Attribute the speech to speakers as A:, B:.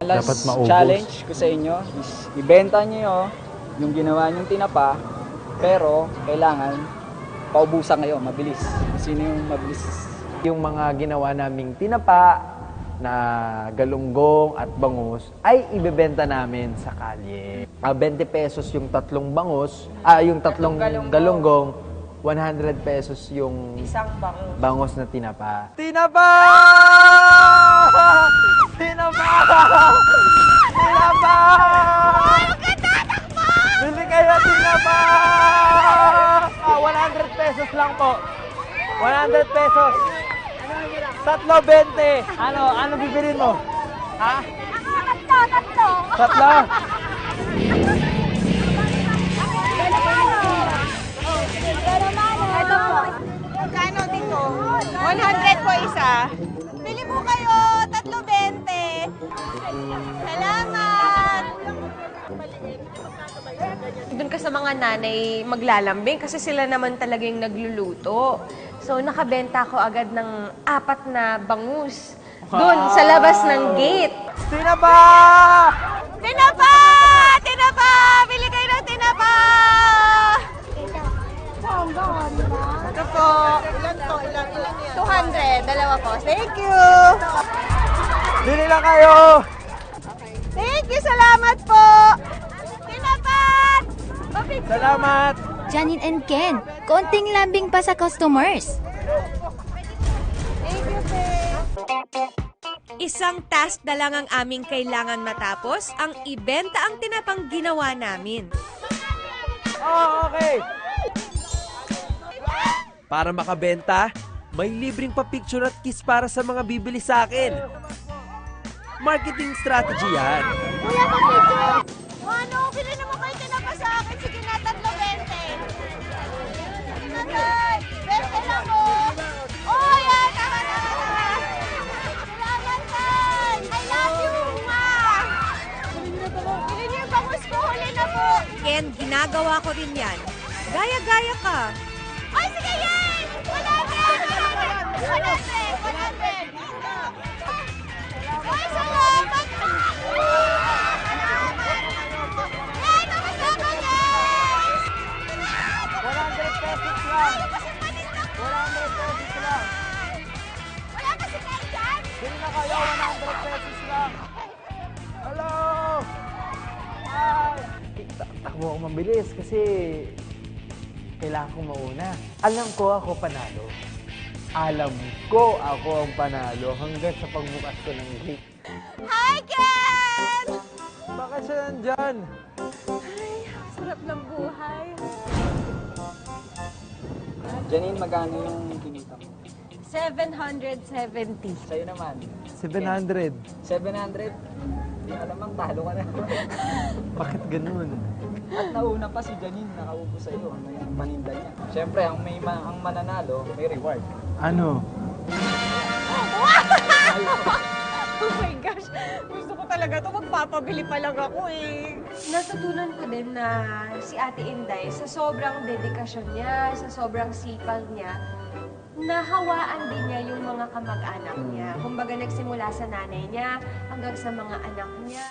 A: Dapat maubos.
B: Challenge ko sa inyo is ibenta nyo yung ginawa nyong tinapa, pero kailangan paubusan kayo, mabilis. Sino yung mabilis?
A: Yung mga ginawa naming tinapa na galunggong at bangus ay ibebenta namin sa kalye. 20 pesos yung tatlong bangus, yung tatlong galunggong, 100 pesos yung
C: Isang
A: bangus na tinapa. Tinapa! Tinapa! Tinapa! Bili kayo tinapa! 100 pesos lang po. 100 pesos. Tatlo 20. Ano bibilin mo? Ha? Tatlo.
C: Ito po. Magkano dito? 100 po isa. Bili po kayo. Tatlo 20. Salamat!
D: Doon ka sa mga nanay maglalambing kasi sila naman talaga yung nagluluto. So, nakabenta ko agad ng 4 na bangus. Doon, sa labas ng gate.
A: Tinapa!
C: Tinapa! Tinapa! Bili kayo ng tinapa! Ito po. Ilan to? Ilan yan? 200. Dalawa po. Thank you!
A: Bili lang kayo!
C: Thank you! Salamat po! Tinapa!
A: Salamat!
E: Janine and Ken, konting lambing pa sa customers.
C: Thank you, sir.
F: Isang task na lang ang aming kailangan matapos, ang ibenta ang tinapang ginawa namin.
A: Oh, okay.
G: Para makabenta, may libreng pa-picture at kiss para sa mga bibili sa akin. Marketing strategy yan.
C: Kuya, pa-picture! Ano? Bili naman kayo tinapa sa akin. Sige na, tatlo 20. Natay! 20 lang po! Oh, yan! Tama. Salamat, Tay! I love you, ma! Bili niyo yung bangus ko. Huli na po!
F: Ken, ginagawa ko rin yan. Gaya-gaya ka.
C: Ay, sige, yan! 100! 100! Ay, salamat! Yan! Nakasama, guys!
A: 100 pesos lang. 100 pesos lang.
C: Wala kasi kayo dyan!
A: Bili na kayo, 100 pesos lang. Hello! Hi! Takbo ako mabilis kasi kailangan kong mauna. Alam ko ako panalo. Alam ko ako ang panalo hanggang sa pagbukas ko ng gate.
C: Hi, Ken!
A: Bakit siya nandyan?
D: Sarap ng buhay.
B: Janine, magkano yung kinita mo?
D: 770.
B: Sa'yo naman.
A: 700.
B: 700? Hindi alamang talo ka na.
A: Bakit ganun?
B: At nauna pa si Janine, nakaupo sa iyo. Ano yung paninda niya? Siyempre, ang mananalo, may reward.
A: Ano?
D: Oh my gosh! Gusto ko talaga ito. Magpapabili pa lang ako eh. Natutunan ko din na si Ate Inday, sa sobrang dedikasyon niya, sa sobrang sipag niya, nahawaan din niya yung mga kamag-anak niya. Kumbaga nagsimula sa nanay niya hanggang sa mga anak niya.